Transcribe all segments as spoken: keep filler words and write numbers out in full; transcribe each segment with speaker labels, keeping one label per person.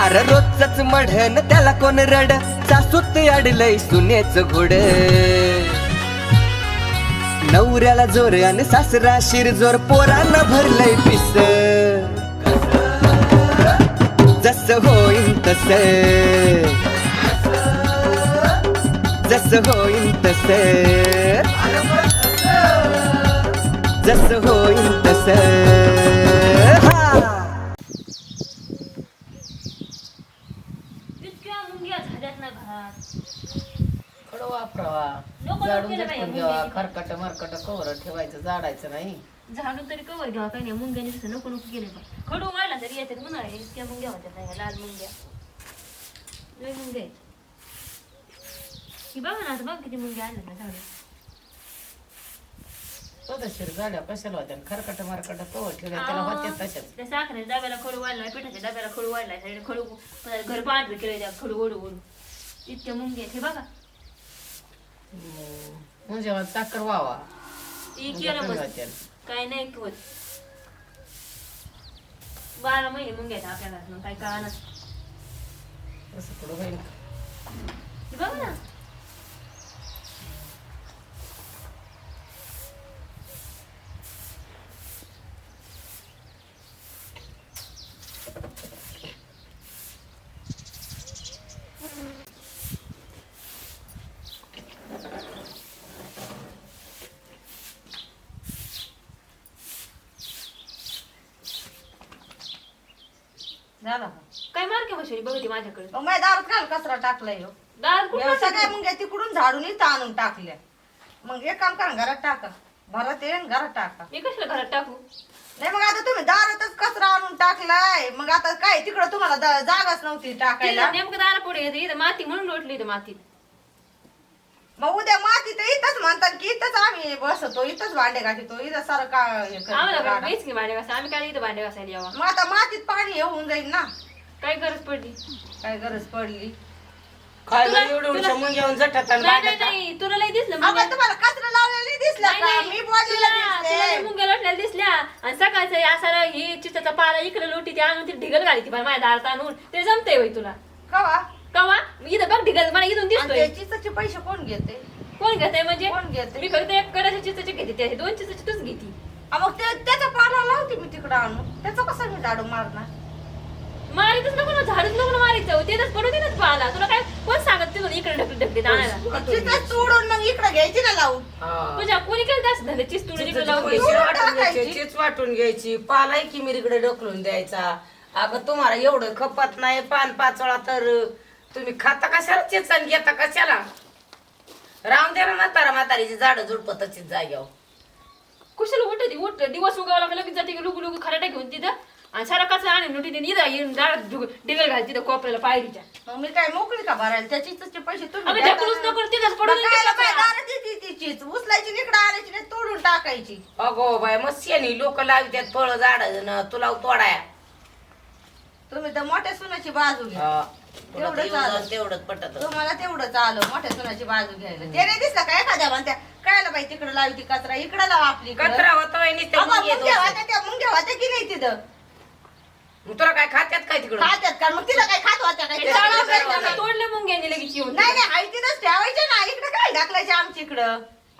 Speaker 1: अरे रोजच मढन त्याला कोण रड सासूत अडलय सुनेच घोड नवऱ्याला जोर आणि सासरा शिरजोर पोरांना भरलंय पिस जस होईन तस जस होईन तस जस होईन तस
Speaker 2: इतक्या मुंग्या झाल्यात ना घरात
Speaker 3: खडं वापरावा
Speaker 2: नको
Speaker 3: झाडून
Speaker 2: केलं
Speaker 3: झटकून
Speaker 2: बाई,
Speaker 3: घ्यावा
Speaker 2: मुंग्याची.
Speaker 3: खरकट मरकट कवर ठेवायचं झाडायचं नाही
Speaker 2: झाडून तरी कवर घ्यावा काही नाही मुंग्याने तसं नको नको केले बा खडू वाढला तरी येतात म्हणा इतक्या मुंग्या होत्या नाही लाल मुंग्या लय मुंग्या आहेत ही बघा ना आता बघ किती मुंग्या आल्या ना झाडू
Speaker 3: पदशीर झाड्या कशाला होत्या खरकट मरकट कवर ठेवल्या त्याला होत्या तशाच
Speaker 2: त्या साखरेच्या डब्याला खडू वाढलाय पिठाच्या डब्याला खडू वाढलाय साईड खडू घर पांढरे केले त्या खडू ओढू ओढू इतक्या मुंग्या आहेत हे बघा
Speaker 3: म्हणजे साखर व्हावा
Speaker 2: ती केलं बस काय नाही होत बारा महिने मुंग्या आहेत आपल्याला मग काय कळणार
Speaker 3: असं पुढं होईल
Speaker 2: हे बघा ना
Speaker 4: झालं
Speaker 2: काय मार्के बसवली बघते माझ्याकडे
Speaker 4: मग माझ्या दारात काल कचरा टाकलाय हो
Speaker 2: दार कुठं
Speaker 4: या सगळ्या
Speaker 2: टाकलं?
Speaker 4: मुंग्या तिकडून झाडून इथं आणून टाकल्या मग एक काम करा घरात टाका भरात येईन घरात टाका
Speaker 2: मी कशाला घरात टाकू
Speaker 4: नाही मग आता तुम्ही दारातच कचरा आणून टाकलाय मग आता काय तिकडं तुम्हाला दा- जागाच नव्हती टाकायला
Speaker 2: तिथं नेमकं दारा पुढे येते इथं माती म्हणून लोटली इथं मातीत
Speaker 4: मग उद्या माती तर इथंच म्हणतात की इथंच आम्ही बसतो इथंच भांडे घासतो इथं सारं का हे करतो
Speaker 2: आम्हाला
Speaker 4: गाडा.
Speaker 2: काय की भांडे घासा आम्ही काय इथं भांडे घासायला यावा
Speaker 4: मग आता मातीत पाणी येऊन जाईल ना
Speaker 2: काय गरज पडली
Speaker 4: काय गरज पडली
Speaker 3: काय
Speaker 2: तुला-
Speaker 3: एवढं
Speaker 2: तुला-
Speaker 3: मुंग्या येऊन झटत आणि
Speaker 2: नाही नाही
Speaker 3: भांडता.
Speaker 2: नाही तुला लई दिसलं
Speaker 4: अगं
Speaker 2: मुंग्या.
Speaker 4: तुम्हाला कचरा लावलेला दिसला
Speaker 2: नाही,
Speaker 4: का
Speaker 2: नाही.
Speaker 4: मी
Speaker 2: तुला
Speaker 4: बोललेलं
Speaker 2: तुला लई
Speaker 4: दिसते
Speaker 2: मुंग्या लोटलेल्या दिसल्या आणि सकाळचं असा ही चिताचा पाला इकडे लोटी ती आणून ती ढिगल घाली ती माझ्या दारात आणून ते जमतंय बाई तुला
Speaker 4: कवा
Speaker 2: कवा इथं बघ ढिगल मला इथून
Speaker 4: आणि
Speaker 2: दिसतोय
Speaker 4: ते चिचाचे पैसे कोण घेते
Speaker 2: कोण घेतय म्हणजे
Speaker 4: कोण घेते?
Speaker 2: मी फक्त एक कडाच्या चिताचे घेते त्याचे दोन चिताचे तूच घेती
Speaker 4: आ, मग ते त्याचा पाला लावते मी तिकडं आणून त्याचा कसा मी झाडू मारणार
Speaker 2: मारितच नको ना झाडूच नको ना मारायचं तेच पडू दे ना पाला तुला काय कोण सांगत तिथून इकडे ढकली ढकलीत आणायला
Speaker 4: चिचाच तोडून मग इकडे घ्यायची ना लावून
Speaker 3: हा.
Speaker 2: तुझ्या कोणी केलं असं धंदे चिस तुडून इकडे लावून
Speaker 3: चिच
Speaker 2: घ्यायची
Speaker 3: वाटून घ्यायची,
Speaker 4: टाकायची.
Speaker 3: चिच वाटून घ्यायची पालाय की मिरीकडे ढकलून द्यायचा अगं तुम्हाला एवढं खपत नाही पान पाचोळा तर तुम्ही खाता कशाला चिच आणि घेता कशाला राम दे ना म्हातारा म्हातारीची झाड झुडपत तशीच जाग्यावर
Speaker 2: कुशाला उठते उठ दिवस उगावला लागला लगेच जाते लुगू लुगू खराटा घेऊन तिथं आणि सारा कचरा आणि नोटी देऊन इथं येऊन झाड डिगल घाल तिथं कोपऱ्याला पायरीच्या
Speaker 4: मग मी काय मोकळी का भरायला त्या चिचाचे पैसे तुम्ही
Speaker 2: अगं
Speaker 4: द्या
Speaker 2: ढकलूच
Speaker 4: ना.
Speaker 2: नको तिथंच पडून
Speaker 4: मग कायला बाई दारात येते ती चीच उचलायची निकडं आणायची नाही तोडून टाकायची
Speaker 3: अगो बाय मग शेणी लोक लावतात फळ झाड तुला तोडाया
Speaker 4: तुम्ही तर मोठ्या सुनाची बाजू घ्या
Speaker 3: हा.
Speaker 4: तेवढंच
Speaker 3: पुढं येऊन
Speaker 4: आलं.
Speaker 3: जाऊन तेवढंच पटत
Speaker 4: तुम्हाला तेवढंच आलं मोठ्या सुनाची बाजू घ्यायला ते नाही दिसलं का एखाद्या म्हणत्या कायला बाई तिकडे लावती कचरा इकडे लावा आपली इकडं.
Speaker 3: कचरा होतो बाई, नुसते
Speaker 4: अगं,
Speaker 3: मुंग्या
Speaker 4: मुंग्या
Speaker 3: दोष.
Speaker 4: होत्या त्या मुंग्या होत्या की नाही तिथं
Speaker 3: मग तुला काय खात्यात काय तिकडं
Speaker 4: खात्यात का मग तिथं काय खात होत्या काय
Speaker 2: हे
Speaker 4: तिथं
Speaker 2: झाडं
Speaker 4: काय
Speaker 2: वगैरे
Speaker 4: नाही
Speaker 2: तोडले मुंग्याने लगेच येऊन
Speaker 4: नाही आई तिथंच ठेवायचे ना इकडे काय ढकलायचे आमच्या इकडं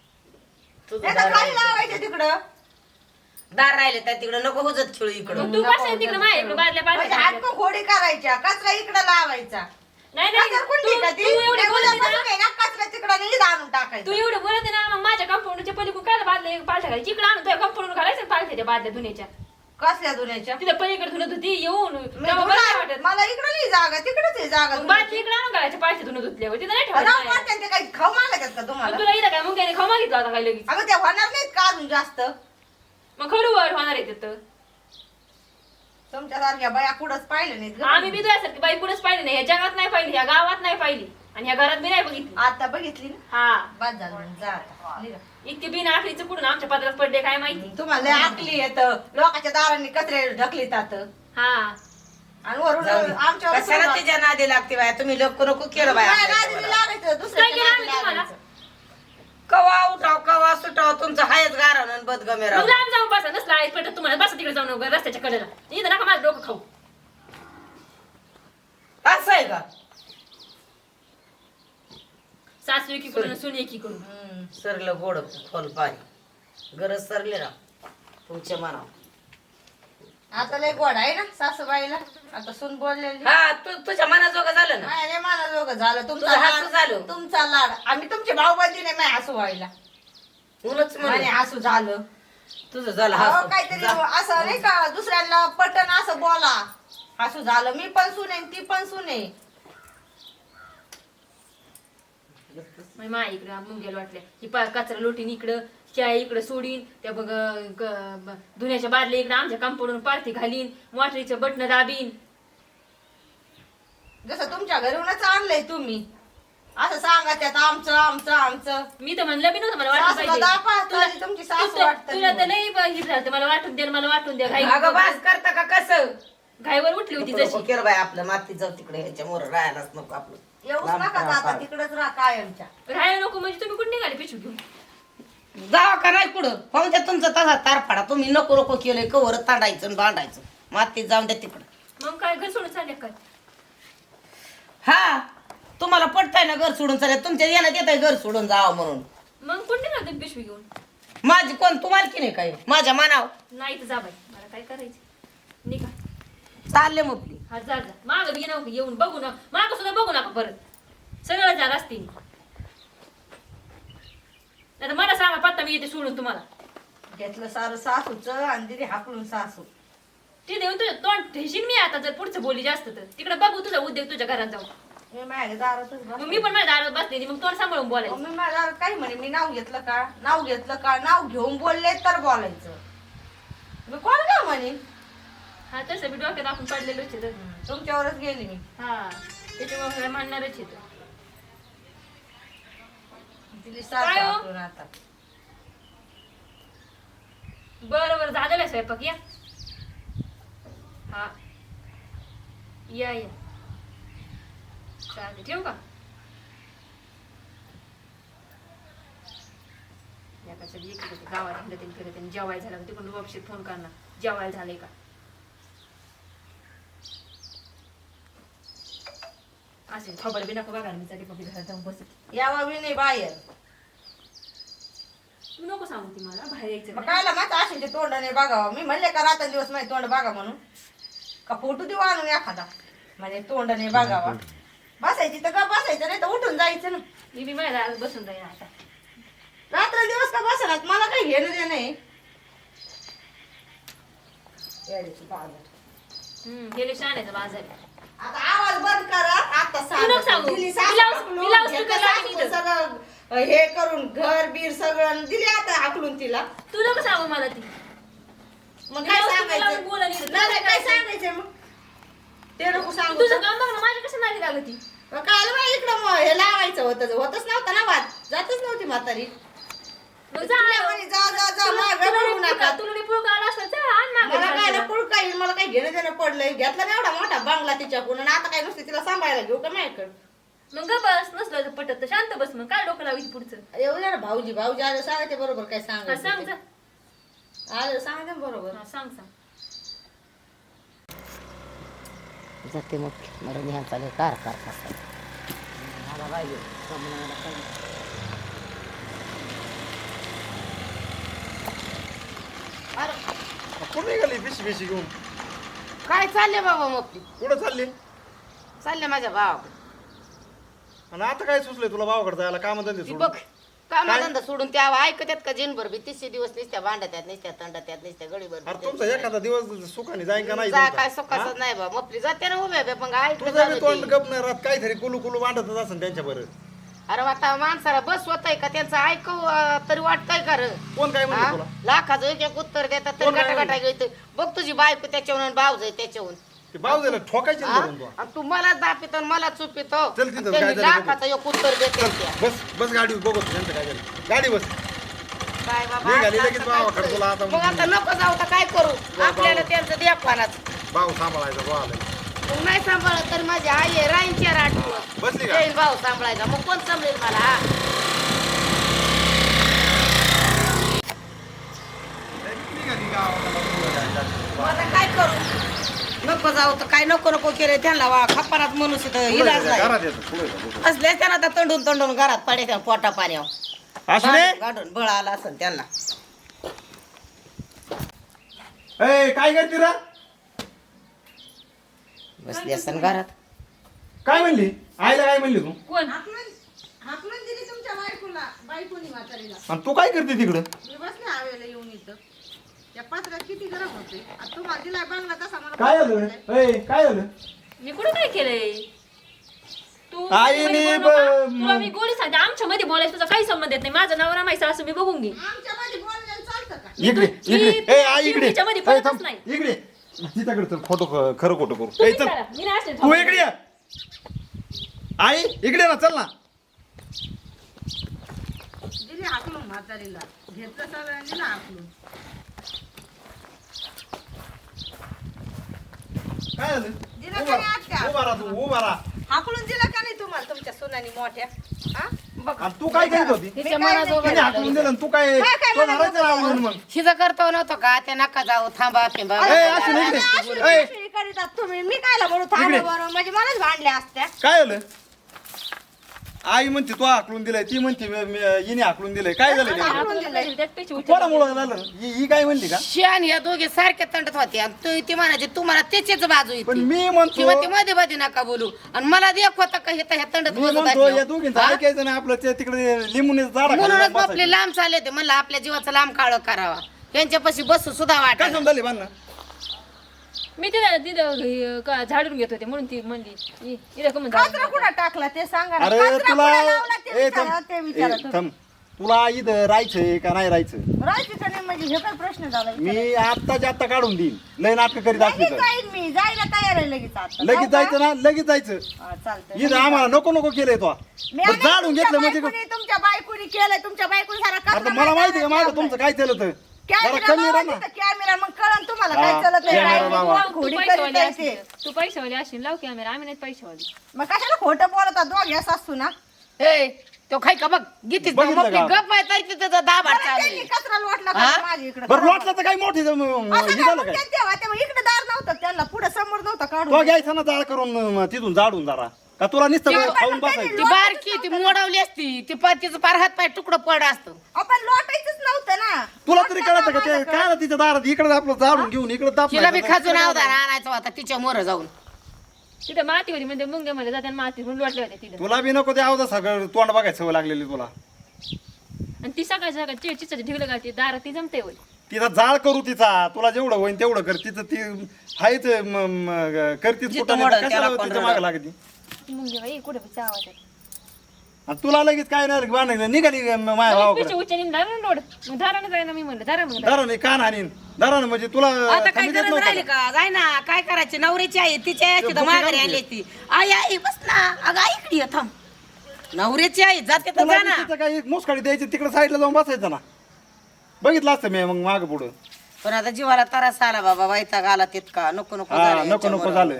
Speaker 3: तुझं
Speaker 4: नाही
Speaker 3: दार
Speaker 4: तर खाली
Speaker 3: राहिलं.
Speaker 4: लावायचे तिकडं
Speaker 3: दार राहिले त्या तिकडं नको हुजत खेळू इकडं
Speaker 2: मग तू बसायला तिकडे माझ्या इकडे बादल्या
Speaker 4: म्हणजे
Speaker 2: पाडल्या
Speaker 4: हातकं घोडी करायच्या कचरा इकडं लावायचा
Speaker 2: नाही नाही
Speaker 4: कचरा कुंडी
Speaker 2: तू
Speaker 4: का
Speaker 2: तू
Speaker 4: ती?
Speaker 2: एवढी
Speaker 4: नाही,
Speaker 2: बोलते ना
Speaker 4: उद्यापासून आहे ना कचरा तिकडं नाही आणून
Speaker 2: तू
Speaker 4: टाकायचा
Speaker 2: एवढं बोलते ना मग माझ्या कंपाऊंडच्या पलीकडून काय बादल्या पालथ्या घालायची इकडे आणून तुझ्या कंपाऊंड घालायचं पालथ्याच्या बादल्या धुण्याच्या
Speaker 4: कसल्या दुन्याच्या
Speaker 2: तिथं पलीकडे धुणं धुती येऊन
Speaker 4: मी
Speaker 2: तेव्हा बरं नाही
Speaker 4: धुणार.
Speaker 2: वाटत
Speaker 4: मला इकडं नाही जागा तिकडच आहे जागा
Speaker 2: मग बादली इकडे आणून घालायच्या पालथ्या धुणं धुतल्यावर तिथं नाही
Speaker 4: राव
Speaker 2: ठेवायचं
Speaker 4: वाटतं ते काही खाऊ मागतात का तुम्हाला
Speaker 2: तुला इथं काय मुंग्याने खाऊ मागितलं आता काय लगेच
Speaker 4: अगं त्या होणार नाहीत का अजून जास्त
Speaker 2: मग खडू वर होणार आहे तिथं
Speaker 4: तुमच्या सारख्या बाया कुठंच पाहिलं नाहीत गं.
Speaker 2: आम्ही बी तुझ्यासारखी बाई कुठेच पाहिली नाही ह्या जगात नाही पाहिली ह्या गावात नाही पाहिली आणि ह्या घरात बी नाही बघितली
Speaker 4: आता बघितली ना
Speaker 2: हा
Speaker 4: बाद झालं जा आता निघा.
Speaker 2: इतकी बिन आखरीचं कुठून आमच्या पदरात पडले काय माहिती
Speaker 4: तुम्हाला लय आकली येत लोकांच्या दारांनी कचरे ढकलीतात
Speaker 2: हा
Speaker 4: आणि वरून
Speaker 3: जाऊ दे.
Speaker 4: आमच्यावर
Speaker 3: कशाला
Speaker 4: सोडवा.
Speaker 3: तिच्या नादी लागते बाया तुम्ही लोक नको केलं बाया
Speaker 4: काय
Speaker 3: आपल्या
Speaker 4: नादी
Speaker 3: जीवाला.
Speaker 4: लागायचं दुसऱ्या
Speaker 2: काय केलं आम्ही
Speaker 4: नादी
Speaker 2: तुम्हाला?
Speaker 4: लागायचं.
Speaker 3: कवा उठाव कवा सुटाव तुमचं हायच गारण बदगमे
Speaker 2: मग
Speaker 3: राव
Speaker 2: लांब जाऊन बसा नसला आहे पटत तुम्हाला बसा तिकडे जाऊन रस्त्याच्या कडेला इथं नका माझं डोकं खाऊ
Speaker 3: आहे का
Speaker 2: सासू एकीकडून सून एकीकडून
Speaker 3: हम्म, सरलं गोड खोल पाणी गरज सरली ना तुमच्या मनावर
Speaker 4: आता लय गोड आहे ना सासूबाईला आता सून बोललेली
Speaker 3: हा तू तुझ्या मनाजोगं झालं ना
Speaker 4: नाही मला जोग झालं तुमचा
Speaker 3: तुझं हसू
Speaker 4: लाड-
Speaker 3: झालं.
Speaker 4: तुमचा लाड आम्ही तुमचे भाऊ बंदी नाही माझ्या हसू व्हायला
Speaker 3: म्हणूनच
Speaker 4: म्हणे
Speaker 3: म्हणे
Speaker 4: हसू झालं
Speaker 3: तुझं झालं
Speaker 4: अहो,
Speaker 3: हसू.
Speaker 4: काहीतरी
Speaker 3: जा.
Speaker 4: असं नाही का दुसऱ्यांना पटन असं बोला हसू झालं मी पण सुने ती पण सुने
Speaker 2: मग मा इकडं मुंग्याला वाटल्या ही पा कचरा लोटीन इकडं चाय इकडं सोडीन त्या बघ ग- ब- धुण्याच्या बादल्या इकडं आमच्या कांपडून पारती घालीन मोटरीचं बटणं दाबीन
Speaker 4: जसं तुमच्या घरूनच आणलंय तुम्ही असं सांगा त्यात आमचं आमचं आमचं
Speaker 2: मी तर म्हणलं बी नव्हतं मला वाटलं
Speaker 4: सासूला
Speaker 2: पाहिजे
Speaker 4: दाखवा,
Speaker 2: तुला-
Speaker 4: तरी तुमची सासू
Speaker 2: तुला
Speaker 4: वाटतं
Speaker 2: तुला तर
Speaker 4: नाही.
Speaker 2: लई ब- हे झालं मला वाटून द्या मला वाटून द्या घाई
Speaker 3: अगं बास करता का कसं
Speaker 2: घाईवर उठली होती
Speaker 3: नको
Speaker 2: जशी
Speaker 3: केलं बाय आपलं माती जाऊ तिकडे ह्याच्या मोर राहायलाच नको आपलं
Speaker 4: येऊच
Speaker 3: लांब
Speaker 4: नका
Speaker 3: राहा
Speaker 4: आता
Speaker 3: पार.
Speaker 4: तिकडेच राहा कायमच्या
Speaker 2: राहायला नको म्हणजे तुम्ही कुठे निघाले पिशू घेऊन
Speaker 3: जावा का नाही पुढं पाहून द्या तुमचा तसा तारफाडा तुम्ही नको नको केलंय कवर तांडायचं आणि बांधायचं मातीत जाऊन द्या तिकडं
Speaker 2: मग काय घर सोडून चालले काय
Speaker 3: हा तुम्हाला पटताय ना घर सोडून चालेल तुमच्या येण्यात येत आहे घर सोडून जावं म्हणून
Speaker 2: मग कुठे निघाले तुम्ही पिशवी घेऊन
Speaker 3: माझी कोण तुम्हाला की नाही काय माझ्या मनाव
Speaker 2: नाही तर जा बाई मला काय करायचं निघा
Speaker 3: चालले मग
Speaker 2: हा जा जा माग बी नको येऊन बघू ना माग सुद्धा बघू नका परत सगळं जा रस्ते नाही तर मला सांगा पत्ता मी येते सोडून तुम्हाला
Speaker 4: घेतलं सारं सासूच आणि दिली हाकलून सासू
Speaker 2: ते देऊन तुझं तोंड ठेशील मी आता जर पुढचं बोली जास्त तर तिकडे बघू तुझा उद्योग तुझ्या घरात जाऊ
Speaker 4: मी माझ्या दारातच
Speaker 2: मग
Speaker 4: बसले.
Speaker 2: मी पण माझ्या दारात बसलेली मग तोंड सांभाळून बोलायचं
Speaker 4: मग मी माझ्या दारात काही म्हणे मी नाव घेतलं का नाव घेतलं का नाव घेऊन बोलले तर बोलायचं मी कोण का म्हणे
Speaker 2: हा तसं मी डोक्यात आपण पडलेलोच आहे तर.
Speaker 4: तुमच्यावरच गेली मी
Speaker 2: हा त्याच्यामुळे म्हणणारच आहे
Speaker 4: दिली सासू
Speaker 2: काय हो?
Speaker 4: हाकलून आता
Speaker 2: बरं बरं झालेला स्वयंपाक या हा या या चालेल ठेवू का एकाचं एक होतं गावात हिंडत आणि फिरत आणि जेवायला झालं का तिकडून वापशीत फोन करणार जेवायला झालंय का असे खबर बी नका बघायला मी साठी पप्पी घरात जाऊन बसत
Speaker 4: यावा बी नाही बाहेर
Speaker 2: तू नको सांगू ती मला बाहेर यायचं
Speaker 4: मग
Speaker 2: नाही.
Speaker 4: कायला माझ्या आशीचे तोंडाने बघावं मी म्हणले का रात्र दिवस माझे तोंड बघा म्हणून का फोटो देऊ आणून एखादा म्हणजे तोंडाने बघावा बसायची तर का बसायचं नाही तर उठून जायचं ना
Speaker 2: मी बी माझ्या दारात बसून राहीन आता
Speaker 4: रात्र दिवस का बसणार मला काही घेणं देणं नाही येड्याची पागल.
Speaker 2: हम्म गेले शाण्याचा बाजार आहे.
Speaker 4: आता आवाज बंद करा आता
Speaker 2: तू नको सांगू.
Speaker 4: दिली
Speaker 2: मी लाऊड-
Speaker 4: सासू
Speaker 2: मी लाऊड
Speaker 4: घेतलं
Speaker 2: स्पीकर लावीन
Speaker 4: सासूचं
Speaker 2: इथं.
Speaker 4: सगळं हे करून घर बीर सगळं दिली आता हाकलून तिला
Speaker 2: तू नको सांगू मला ती
Speaker 4: मग
Speaker 2: मी
Speaker 4: काय
Speaker 2: लाऊड स्पीकर
Speaker 4: सांगायचं
Speaker 2: लावून बोलायला येतं.
Speaker 4: नाही नाही, काय सांगायचं मग ते नको सांगू
Speaker 2: तुझं काम बघ ना माझ्या कसं नाही लागत ती
Speaker 4: काल बा इकडं मग हे लावायचं होतं होतच नव्हतं ना वाद जातच नव्हती म्हातारी
Speaker 2: मग जा
Speaker 4: तिला म्हणे, जा जा जा
Speaker 2: तुला-
Speaker 4: मागं
Speaker 2: तुला
Speaker 4: पडू
Speaker 2: नाही
Speaker 4: नका
Speaker 2: पुळका- तुला नाही पुळका आला असता जा आण मागं
Speaker 4: मला काय
Speaker 2: घाल
Speaker 4: ना
Speaker 2: तिला.
Speaker 4: पुळका येईल मला काही घेणं देणं पडलंय घेतला ना एवढा मोठा बांगला तिच्याकडून आणि आता काय नुसते तिला सांभाळायला घेऊ का माझ्याकडं
Speaker 2: मग ग बस नसलं तर पटत तर शांत बस मग काय डोकं लावायची पुढचं
Speaker 4: येऊ दे ना भाऊजी भाऊजी आले सांगायचे बरोबर काय
Speaker 2: हा, सांग जा
Speaker 4: सांगायचं आले सांगायचे ना बरोबर
Speaker 2: हा, सांग सांग
Speaker 3: जाते मग मला न्याय चालेल कार कार कार मला पाहिजे
Speaker 5: कुठे निघाली पिशी पिशी घेऊन
Speaker 3: काय चालले बाबा मग
Speaker 5: कुठं चालली
Speaker 3: चालले माझ्या भावा
Speaker 5: आणि आता काय सुचलंय तुला भावाकडे जायला काम धंदे
Speaker 3: ती
Speaker 5: सोडून
Speaker 3: बघ कामाधंदा सोडून त्या ऐकत्यात का जिनभर बी तिसशे दिवस निसत्या भांडत्यात निसत्या तंडात्यात निसत्या गडीभर
Speaker 5: अरे तुमचा एखादा दिवस सुखाने जाईन का नाही
Speaker 3: जा
Speaker 5: तुमचा?
Speaker 3: काय
Speaker 5: हा?
Speaker 3: सुखाचं नाही बा मपली जाते ना उभ्या उभ्या, पण ऐकलं
Speaker 5: तुझं बी तोंड
Speaker 3: जातं
Speaker 5: गप नाही राहत काहीतरी कुलू कुलू मांडतच असेल त्यांच्या बरं
Speaker 3: ते. अरे आता माणसाला बस होतय का त्यांचं ऐकव अं, तरी वाटतंय का रे
Speaker 5: कोण काय म्हणते
Speaker 3: हा?
Speaker 5: तुला
Speaker 3: लाखाचं एक एक उत्तर देतात तरी
Speaker 5: कोण काय
Speaker 3: गटा गटा घेत बघ तुझी बायको त्याच्याहून भाव जाय त्याच्याहून
Speaker 5: ते भाऊ दे ना ठोकायची ना
Speaker 3: हा?
Speaker 5: धरून तू.
Speaker 3: आणि तू मला दापितो आणि मला चुपितो
Speaker 5: चल तिथं,
Speaker 3: त्यांनी
Speaker 5: काय झालं बघू.
Speaker 3: लाखाचं एक उत्तर देते
Speaker 5: चल
Speaker 3: त्या.
Speaker 5: बस बस गाडी बघ त्यांचं काय झालं गाडी बस
Speaker 3: काय बाबा
Speaker 5: निघाली
Speaker 3: आता
Speaker 5: लगेच
Speaker 3: काय
Speaker 5: भावाकडे
Speaker 3: करू?
Speaker 5: तुला आता-
Speaker 3: मग आता नको जाऊ तर काय करू
Speaker 5: भाऊ.
Speaker 3: आपल्याला त्यांचं द्या पानाच
Speaker 5: भाऊ सांभाळायचा भाऊ आलाय.
Speaker 3: मग नाही सांभाळत तर माझी आई आहे राहीन चार आठ दिवस
Speaker 5: बसली का
Speaker 3: येईल भाऊ सांभाळायचा मग कोण सांभाळेल मला हा?
Speaker 5: निघाली गावाला.
Speaker 3: मग आता काय करू नको जाऊ तर काय नको नको केले त्यांना वा खपारात मनुष्य तर इलाज नाही
Speaker 5: घरात येतो पुढे येतो, पुढे.
Speaker 3: असले त्यांना तर तंडून तंडून घरात पडायच्या पोटा पाण्यावर
Speaker 5: असू दे.
Speaker 3: गाडून बळ आला असेल त्यांना
Speaker 5: ए, काय करते रे
Speaker 3: बसली असेल घरात
Speaker 5: काय म्हणली आईला काय म्हणली तू
Speaker 2: कोण
Speaker 4: हाकलून दिली तुमच्या बायकोला बायकोनी म्हातारीला
Speaker 5: आणि तू काय करते तिकडं
Speaker 4: मी बसले हवेला येऊन इथं त्या पत्रात किती गरम होते आता तुम्हाला दिलाय बंगला तसा मला
Speaker 5: काय झालं ए, काय झालं
Speaker 2: मी कुठं काय केलंय तू
Speaker 5: आईने
Speaker 2: मध्ये
Speaker 5: ब-
Speaker 2: बोलू नका. तुला मी गोडी सांगते आमच्या मध्ये बोलायचं तुझा काही संबंध येत नाही माझं नवरा माहिती असं मी बघून घे
Speaker 4: आमच्या मध्ये बोलायला चालतं का
Speaker 5: इकडे
Speaker 2: तू-
Speaker 5: इकडे
Speaker 2: ती-
Speaker 5: ए आई इकडे
Speaker 2: तिच्यामध्ये
Speaker 5: ए,
Speaker 2: पडतच
Speaker 5: थांब.
Speaker 2: नाही.
Speaker 5: इकडे तिच्याकडे चल खोटं ख- खरं खोटं करू ए,
Speaker 2: तुम्ही
Speaker 5: चल
Speaker 2: करा. मी नाही असले
Speaker 5: तू
Speaker 2: थांबले.
Speaker 5: इकडे ये. आई इकडे ना चल ना
Speaker 4: दिली हाकलून म्हातारीला घेतलं सगळ्यांनी दिलं हाकलून
Speaker 5: काय झालं
Speaker 4: दिलं
Speaker 5: उभा
Speaker 4: का नाही आत्या?
Speaker 5: उभा राहा तू उभा राहा
Speaker 4: हाकलून दिलं का नाही तुम्हाला तुमच्या सुनानी मोठ्या हा बघ
Speaker 5: आणि तू काय करीत होती
Speaker 2: तिच्या
Speaker 4: मी काय
Speaker 2: मनाजोगं
Speaker 5: तिने हाकलून दिलं आणि तू काय
Speaker 4: काय काय
Speaker 5: तो
Speaker 4: म्हणत
Speaker 5: धरायचं
Speaker 4: होता?
Speaker 5: आवडून मग
Speaker 3: शिजा करतो नव्हतं का त्या नका जाऊ थांबा पिंबा
Speaker 5: ए, असू दे इकडे.
Speaker 4: अशी
Speaker 5: ए.
Speaker 4: अशी करीतात तुम्ही मी कायला बोलू थांबा बरोबर म्हणजे मलाच भांडल्या असत्या
Speaker 5: काय झालं आई म्हणते तू हाकलून दिलंय ती म्हणते मी- मी- हिने हाकलून दिलंय काय झालं नेमकं?
Speaker 2: हाकलून दिलं, त्यात पैसे उचलले.
Speaker 5: कोणामुळं झालं ही ही काय म्हणली का
Speaker 3: शियान या दोघे सारखे तंडत होते आणि तू ती म्हणायची तुम्हाला त्याचीच बाजू येते
Speaker 5: पण मी
Speaker 3: ती
Speaker 5: म्हणतो
Speaker 3: म्हणते मध्ये मध्ये नका बोलू आणि मला देख होता का हे तर ह्या तंडत
Speaker 5: मी
Speaker 3: बसत
Speaker 5: म्हणतो या
Speaker 3: असल्यावर.
Speaker 5: दोघींचं
Speaker 3: हा?
Speaker 5: ऐकायचं नाही आपलं ते तिकडे लिंबून झाडा
Speaker 3: म्हणूनच आपले लांब चालले ते म्हणलं आपल्या जीवाचा लांब काळ करावा यांच्यापाशी बसू सुद्धा
Speaker 5: काय
Speaker 3: वाटत
Speaker 5: समजाले बांधणं
Speaker 2: मी तिथं तिथं हे का झाडून घेत होते म्हणून ती म्हणली इ- इथं का म्हणून
Speaker 4: कचरा कुठं टाकला ते सांगा ना.
Speaker 5: अरे
Speaker 4: कचरा
Speaker 5: तुला
Speaker 4: कुठं लावला ते
Speaker 5: ए
Speaker 4: विचारा,
Speaker 5: थांब
Speaker 4: ते
Speaker 5: ए,
Speaker 4: विचारा तुम्ही.
Speaker 5: थांब तुला इथं राहायचंय का नाही राहायचं
Speaker 4: राहायचं का नाही म्हणजे हे काय प्रश्न झाला
Speaker 5: मी आत्ताच्या आत्ता काढून देईन लय नाटक करीत असली
Speaker 4: लगेच
Speaker 5: तर
Speaker 4: जाईन मी जायला तयार आहे लगेच आता
Speaker 5: लगेच जायचं ना लगेच जायचं
Speaker 4: हा, चालतंय
Speaker 5: इथं आम्हाला नको नको केलंय तो
Speaker 4: मी
Speaker 5: बरं,
Speaker 4: आणि
Speaker 5: जाळून
Speaker 4: तुमच्या
Speaker 5: घेतलं म्हणजे
Speaker 4: बायकोनी- तुमच्या बायकोनी केलंय तुमच्या बायकोनी सारा
Speaker 5: आता
Speaker 4: कचरा
Speaker 5: मला माहिती का
Speaker 4: नाही
Speaker 5: माझं तुमचं काय केलं तर जरा
Speaker 4: कॅमेरा
Speaker 5: कमी
Speaker 4: लावा
Speaker 5: राहा ना
Speaker 4: तिथं, कॅमेरा मग कळन तुम्हाला
Speaker 5: हा,
Speaker 4: काय चालत आहे,
Speaker 5: कॅमेरा
Speaker 4: काय
Speaker 5: लावा.
Speaker 4: कोण
Speaker 2: तू
Speaker 4: खोडी
Speaker 2: पैसेवाली
Speaker 4: करीत आहे
Speaker 2: असशील
Speaker 4: ते.
Speaker 2: तू पैसेवाली असशील लाव कॅमेरा आम्ही नाही पैसेवाली
Speaker 4: मग कशाला खोटं बोलतात दोघे असू ना
Speaker 3: ए तो खाय का बघ गीतीच
Speaker 5: बघितलं
Speaker 3: आपली
Speaker 5: का?
Speaker 3: गप आहे तरी तिथं दाबाड
Speaker 4: बरं,
Speaker 3: चालू
Speaker 4: त्यांनी
Speaker 3: आहे.
Speaker 4: कचरा लोटला
Speaker 3: हा?
Speaker 4: का माझ्या इकडे
Speaker 5: बरं लोटलं तर काय मोठी हे
Speaker 4: असं काय
Speaker 5: झालं
Speaker 4: मग
Speaker 5: काय
Speaker 4: ते तेव्हा तेव्हा इकडे दार नव्हतं त्यांना पुढे समोर नव्हतं
Speaker 5: तो
Speaker 4: काढून
Speaker 5: घ्यायचा ना जाळ करून अं, तिथून जाडून जरा का तुला नुसतं
Speaker 3: तेव्हा
Speaker 5: खाऊन
Speaker 4: पण
Speaker 5: बसायचं
Speaker 3: ती बारकी ती मोडवली असती ती पातीचं पार हात पाय तुकडं पड असतं
Speaker 4: आपण लोटायचंच नव्हतं ना
Speaker 5: तुला तरी
Speaker 4: लोटलं
Speaker 5: कळतं का ते
Speaker 4: नव्हतं.
Speaker 5: काय ना तिच्या दारात इकडे आपलं जाडून घेऊन इकडे
Speaker 3: तिला बी खाजून
Speaker 5: दाप
Speaker 3: अवधान आणायचा होता तिच्या मोर जाऊन
Speaker 2: तिथं माती होती म्हणजे मुंग्या मध्ये जाते माती म्हणून लोटले होते तिथं
Speaker 5: तुला बी नको ते आवदा सगळं तोंड बघायचं सवय लागलेली तुला
Speaker 2: आणि ती सकाळी सकाळी ची चिचाची ढिगलं घालते दारात ती जमते होय
Speaker 5: तिचा जाळ करू तिचा तुला जेवढं होईन तेवढं कर तिचं ती हायच करतीच
Speaker 3: जिथं
Speaker 5: कुठं
Speaker 3: मोडल
Speaker 5: नाही,
Speaker 3: त्याला
Speaker 5: कशाला
Speaker 3: कोण
Speaker 5: तिच्या
Speaker 3: रडल.
Speaker 5: मागे लागती
Speaker 2: ती मुंगी बाई कुठे बी आवाज येतो.
Speaker 5: आणि तुला लगेच काय नाही बांधायचं निघाली माझ्या
Speaker 2: लगेच
Speaker 5: भावाकडे
Speaker 2: पिशवी उचलून दारानं लोड मग दारानं जायना मी म्हणलं दारा मग
Speaker 5: दारा नाही कान हानीन दारा म्हणजे तुला
Speaker 3: आता काय
Speaker 5: थंडी देत
Speaker 3: गरज
Speaker 5: नव्हतं
Speaker 3: राहिली
Speaker 5: का?
Speaker 3: का जाय ना काय करायची नवऱ्याची आई तिच्या आई तिथं
Speaker 5: बुकी
Speaker 3: माघारी
Speaker 5: काढून
Speaker 3: आली ती आई आई बस ना अगं आई इकडे ये, थांब नवऱ्याची आई जाते तर
Speaker 5: तुला
Speaker 3: जा
Speaker 5: बी
Speaker 3: ना
Speaker 5: तिथं काही मुसकाडी द्यायची तिकडे साईडला जाऊन बसायचं ना बघितलं असतं मी मग माग पुढं
Speaker 3: पण आता जीवाला त्रास आला बाबा वैताग आला तितका नको नको
Speaker 5: हा
Speaker 3: झालं
Speaker 5: नको नको झालं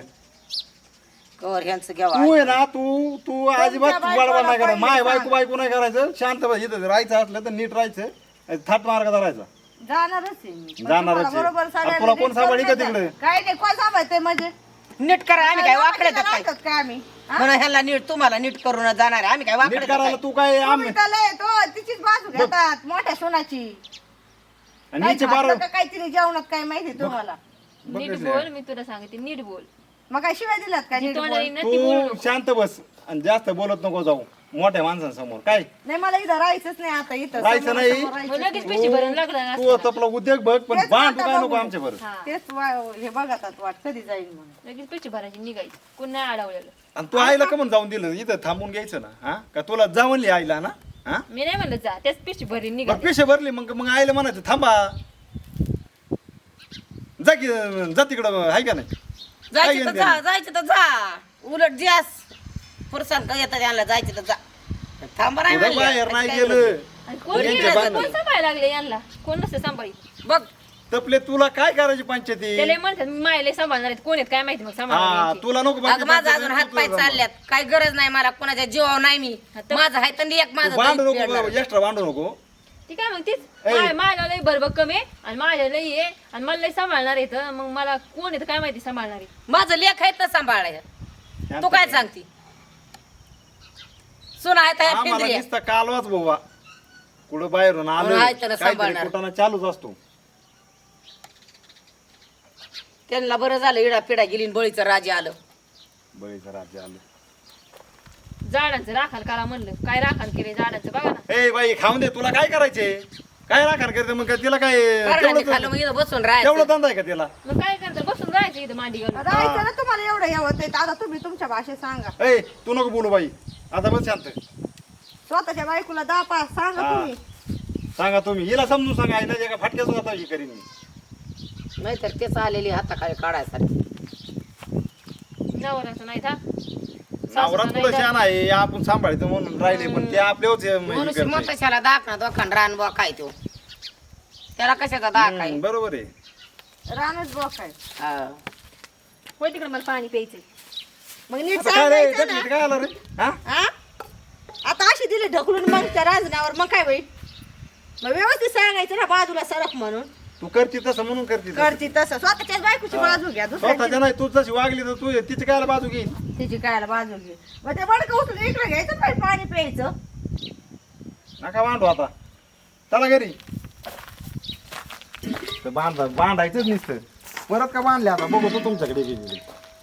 Speaker 3: कवर ह्यांचं घ्यावा
Speaker 5: तू आहे ना तू तू अजिबात
Speaker 4: बायकोला
Speaker 5: बडबड नाही करायचं
Speaker 4: पहिले
Speaker 5: माय
Speaker 4: सांग.
Speaker 5: बायको बायको नाही करायचं शांत बस. इथं राहायचं असलं तर नीट राहायचं थाट मार्ग धरायचा
Speaker 4: जाणारच आहे मी. पण
Speaker 5: जाणारच
Speaker 4: तुम्हाला
Speaker 5: आहे.
Speaker 4: बरोबर
Speaker 5: आणि
Speaker 4: सगळ्यांना
Speaker 5: तुला कोण
Speaker 4: नीट
Speaker 5: सांभाळी का
Speaker 4: करून
Speaker 5: तिकडे?
Speaker 4: देतात. काय नाही कोण सांभाळते म्हणजे
Speaker 3: नीट करा आम्ही काय वाकडे
Speaker 4: लोकांना
Speaker 3: काय
Speaker 4: राहतात काय आम्ही हा?
Speaker 3: म्हणून ह्याला नीट तुम्हाला नीट करून जाणार आहे. आम्ही काय
Speaker 5: नीट
Speaker 3: वाकडे
Speaker 5: करायला तू काय आम
Speaker 4: तुम्ही तर लय तो तिचीच बाजू घेतात मोठ्या सोनाची
Speaker 5: आणि
Speaker 4: काय
Speaker 5: हिचे बार
Speaker 4: खाल्लं का काहीतरी जेवणात काय माहिती तुम्हाला
Speaker 2: नीट बोल मी तुला सांगते नीट बोल
Speaker 4: मग काय शिवाय दिलात काय
Speaker 2: जी
Speaker 4: नीट
Speaker 2: तोंडाला
Speaker 4: बोल?
Speaker 2: येईन ना ती बोलू
Speaker 5: तू
Speaker 2: नको.
Speaker 5: शांत बस आणि जास्त बोलत नको जाऊ मोठ्या माणसांसमोर काय
Speaker 4: नाही मला इथं राहायचंच नाही आता इथं
Speaker 5: राहायचं
Speaker 4: समोर-
Speaker 5: नाही.
Speaker 4: समोर
Speaker 2: मग
Speaker 4: राहायचंच
Speaker 2: लगेच
Speaker 4: नाही.
Speaker 2: पैसे भरून लागला
Speaker 5: तू आपला उद्योग बघ पण
Speaker 4: तेच
Speaker 5: बांध
Speaker 4: आता
Speaker 5: काय नको
Speaker 4: बघू.
Speaker 5: आमच्या बरं
Speaker 2: हा
Speaker 4: तेच वा- हे बघतात वाट कधी जाईल म्हणून
Speaker 2: लगेच पैसे भरायचे निघायचे कोण नाही अडवलेलं
Speaker 5: आणि तू आईला का म्हणून जाऊन दिलं इथं थांबून घ्यायचं ना हा का तुला जाऊनली आईला ना हा
Speaker 2: मी नाही म्हणलं जा त्याच पैसे भरी
Speaker 5: मग
Speaker 2: निघाले
Speaker 5: पैसे भरले मग मग आईला म्हणायचं थांबा जा की जा तिकडं आहे का नाही काय
Speaker 3: जायचं तर
Speaker 5: घेणं
Speaker 3: जा
Speaker 5: देणं?
Speaker 3: जायचं तर जा उलट जास पुरुषांक येतात यांना जायचं तर जा थांबा नाही
Speaker 5: कुठं
Speaker 3: म्हणले.
Speaker 5: बाहेर नाही
Speaker 3: काय
Speaker 5: गेलं
Speaker 2: आणि कोण
Speaker 5: यांचे
Speaker 2: गेलं?
Speaker 5: बांधले.
Speaker 2: कोण सांभाळायला लागले यांना कोण नसतं सांभाळी
Speaker 3: बघ
Speaker 5: तपले तुला काय करायची पंचायती
Speaker 2: त्याला म्हणतात मी मायले सांभाळणार आहेत कोण आहेत काय माहिती मग
Speaker 5: हा
Speaker 2: सांभाळणार
Speaker 5: तुला नको
Speaker 3: अगं
Speaker 5: बाकी
Speaker 3: माझा
Speaker 5: पंचायती,
Speaker 3: अजून
Speaker 5: तू
Speaker 3: हात पाय
Speaker 5: तुझं
Speaker 3: चालल्यात काय गरज नाही मला कोणाच्या जीवावर नाही मी
Speaker 2: आता-
Speaker 3: माझं आहे तर एक
Speaker 5: तू
Speaker 3: माझं
Speaker 5: भांडू
Speaker 3: दूध
Speaker 5: नको
Speaker 3: पिळणार.
Speaker 5: एक्स्ट्रा भांडू नको
Speaker 2: ती काय मग तीच
Speaker 5: ए.
Speaker 2: मा- माझ्या लई भरबक कमी आहे आणि माझ्या लई आहे आणि मला लई सांभाळणार आहे तर मग मला कोण आहे तर काय माहिती सांभाळणारी.
Speaker 3: माझं लेख आहे तर सांभाळायचं तू काय सांगती सुना आहे त्या
Speaker 5: आम्हाला
Speaker 3: फिंदरी
Speaker 5: नुसता कालवाच बाबा कुठं बाहेरून आलो
Speaker 3: म्हणून आहे त्याला
Speaker 5: काहीतरी
Speaker 3: सांभाळणार.
Speaker 5: कुटाणा चालूच असतो.
Speaker 3: त्यांना बरं झालं इडा पिडा गेली आणि बळीचं राजे आलं.
Speaker 5: बळीचं राज्य आलं.
Speaker 2: झाडांचं राखाल करा म्हणलं काय राखाल केले झाडांचं बघा ना.
Speaker 5: ए बाई खाऊन दे तुला काय करायचे काय राखण करते मग काय तिला काय
Speaker 3: कारणाने
Speaker 5: तेवढं
Speaker 3: खाल्लं मग इथं बसून
Speaker 5: तेवढं
Speaker 3: राहायचं
Speaker 5: धंदा आहे का तिला?
Speaker 2: मग काय करतं बसून राहायचं इथं मांडी घालून.
Speaker 4: राहायचं ना तुम्हाला एवढं हे होतंय तर आता तुम्ही तुमच्या भाषेत सांगा.
Speaker 5: ए तू नको बोलू बाई आता बस शांत.
Speaker 4: स्वतःच्या बायकोला दहा पाच सांगा
Speaker 5: हा.
Speaker 4: तुम्ही.
Speaker 5: सांगा तुम्ही हिला समजून सांगा हिला जे का फटक्याच आता ही करीन मी.
Speaker 3: नाहीतर तेच आलेली हाताखाली काढायसाठी
Speaker 2: नवऱ्याचं नाही था
Speaker 5: नवरा तुला छान आहे आपण सांभाळतो म्हणून राहिले पण ते आपल्याच हे
Speaker 3: म्हणून
Speaker 5: करते.
Speaker 3: मोठ्याला दाखना दोखान रान बुवा काय तो त्याला कशाचा दाख आहे
Speaker 5: हम्म, बरोबर आहे.
Speaker 4: रानच बोक आहे.
Speaker 3: हा.
Speaker 2: होय तिकडे मला पाणी प्यायचंय.
Speaker 4: मग नीट
Speaker 5: आता काय रे
Speaker 4: सांगायचं ना.
Speaker 5: कधी काय आलं रे हा
Speaker 4: हा? आता अशी दिली ढकलून मग त्या राजनावर मग काय होईल मग व्यवस्थित सांगायचं ना बाजूला सरक म्हणून.
Speaker 5: तू करती तसं म्हणून करती तसं.
Speaker 4: करती तसं स्वतःच्याच बायकोची बाजू घ्या दुसऱ्याची
Speaker 5: स्वतःच्या नाही तू जशी वागली तर तू तिची काय बाजू घेईन.
Speaker 4: तिची कायला बाजू घे. मग ते बडकं उचलून इकडे घ्यायचं पाहिजे पाणी प्यायचं.
Speaker 5: नका बांधू आता चला घरी. तर बांधा बांधायचंच नुसतं परत का बांधले आता बघू तो तुमच्याकडे गेलेली.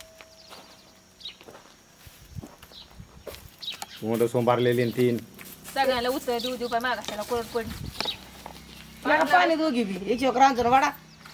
Speaker 5: मोठं सोंबारलेली आणि तीन
Speaker 2: सगळ्याला उत्तर देऊ देऊ काय मागायला कोरड पडली.
Speaker 3: मला पाणी दोघी बी एक एक रांजून वाडा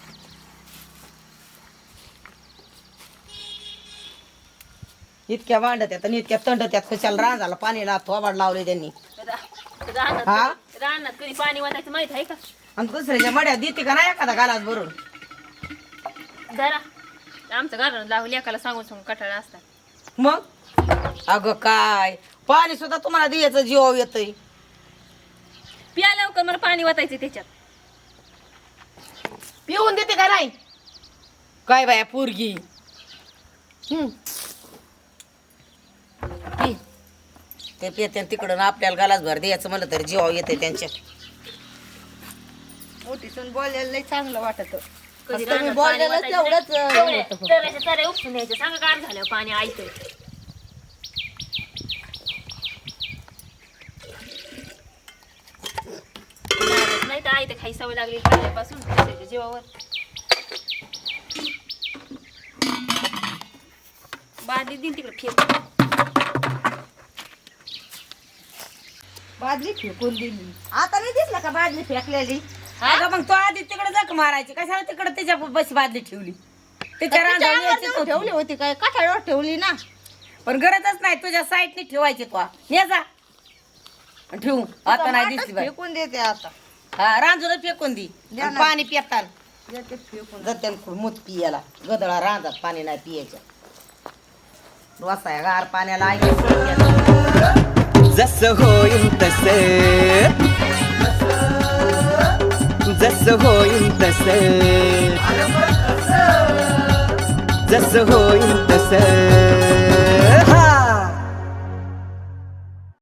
Speaker 3: इतक्या वांडत आणि इतक्या तंडत त्यात कशाला रांजाला पाणी ला थोबाड लावले त्यांनी
Speaker 2: रा- रानात
Speaker 3: हा?
Speaker 2: कधी- रानात कधी पाणी वाटायचं माहित आहे का.
Speaker 3: आणि दुसऱ्याच्या मड्यात देते का नाही एखादा गालास भरून
Speaker 2: जरा आमचं घरानं लावून एकाला सांगून सांगून कटाळा असतात.
Speaker 3: मग अगं काय पाणी सुद्धा तुम्हाला द्यायचं जीव येतय
Speaker 2: प्या लवकर मला पाणी वाटायचं त्याच्यात.
Speaker 3: पिऊन देते का नाही काय बाया पोरगी हम्म. पी. ते पिते तिकडून आपल्याला गालास भर द्यायचं म्हणलं तर जीव येते त्यांच्या
Speaker 4: मोठीसून बोलायला लई चांगलं वाटत.
Speaker 2: कधी
Speaker 4: तुम्ही
Speaker 2: रानात पाणी
Speaker 4: बोललेलं
Speaker 2: वाटायचं
Speaker 4: तेवढंच
Speaker 2: नाही.
Speaker 4: अं,
Speaker 2: तेवढे-
Speaker 4: होतं.
Speaker 2: तेवढ्याच्या तऱ्या उपसून द्यायच्या सांगा गार झाल्यावर पाणी आयतंय. नाही तर आयतं खाई सवय लागली पहिल्यापासून त्याच्या जीवावर. बादली दिन तिकडे फेक.
Speaker 4: बादली फेकून दिली. आता नाही दिसलं का बादली फेकलेली.
Speaker 3: अगं मग तो आधी तिकडे जख मारायची कशाला तिकडे त्याच्या बस बादली ठेवली त्याच्या
Speaker 4: तिच्या
Speaker 3: रांजावर
Speaker 4: अंगावर
Speaker 3: यायचीच
Speaker 4: नेऊन
Speaker 3: होती.
Speaker 4: ठेवली होती काय काठाळ्यावर ठेवली ना.
Speaker 3: पण गरजच नाही तुझ्या साईडने ठेवायची तो ने जा आणि ठेवू आता नाही दिसली बाई
Speaker 4: फेकून देते आता.
Speaker 3: हा रांजूला फेकून दी
Speaker 4: द्या
Speaker 3: आणि
Speaker 4: ना.
Speaker 3: पाणी पितात
Speaker 4: देते फेकून.
Speaker 3: जत्यान मूत पियाला गदळा रांजात पाणी नाही पियाचं वासाया गार पाण्याला आई
Speaker 1: जसं होईल तसे जसं होईल तसे जसं होईल तसे